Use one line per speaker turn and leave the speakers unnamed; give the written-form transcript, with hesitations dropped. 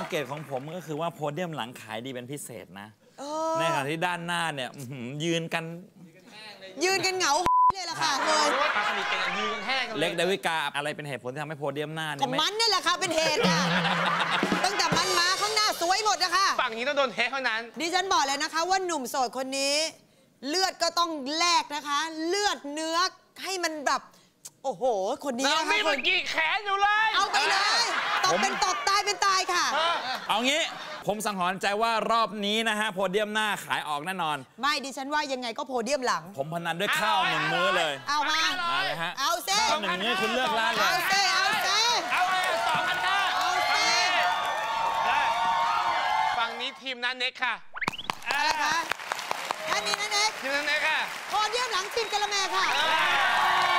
งเกตของผมก็คือว่าโพเดียมหลังขายดีเป็นพิเศษนะในขณะที่ด้านหน้าเนี่ยยืนกัน
เหงาเลยล่ะค่ะเลย
ปลาสลิดกันยืนกันแห้งกันเลย
เล็กเดวิกาอะไรเป็นเหตุผลที่ทำให้โพเดียมหน้าเนี่ย
มันนี่แหละค่ะเป็นเหตุค่ะตั้งแต่มันมาข้างหน้าสวยหมดนะคะ
ฝั่งนี้ต้องโดนเทเท่านั้น
ดิฉันบอกเลยนะคะว่าหนุ่มโสดคนนี้เลือดก็ต้องแลกนะคะเลือดเนื้อให้มันแบบโอ้โหคนนี้นะคะ
คนกี่แขนอยู่เลย
เอาไปเลยตบเป็นตบตายเป็นตายค่ะ
เอางี้ผมสังหรณ์ใจว่ารอบนี้นะฮะโพเดียมหน้าขายออกแน่นอน
ไม่ดิฉันว่ายังไงก็โพเดียมหลัง
ผมพนันด้วยข้าว1 มื้อเลย
เอามา
เลยฮะ
เอาเซ่
ข้าว1 มื้อคุณเลือกร้านเลย
เอาเซ่เอา
เลย2,500เอาเซ่ฝั่งนี้ทีมนั้นเน็กค่ะ
อะไรคะท่านนี้นะเน็ก
ทีมนั้นเน็กค่ะ
โพเดียมหลังทีมกะละแมค่ะ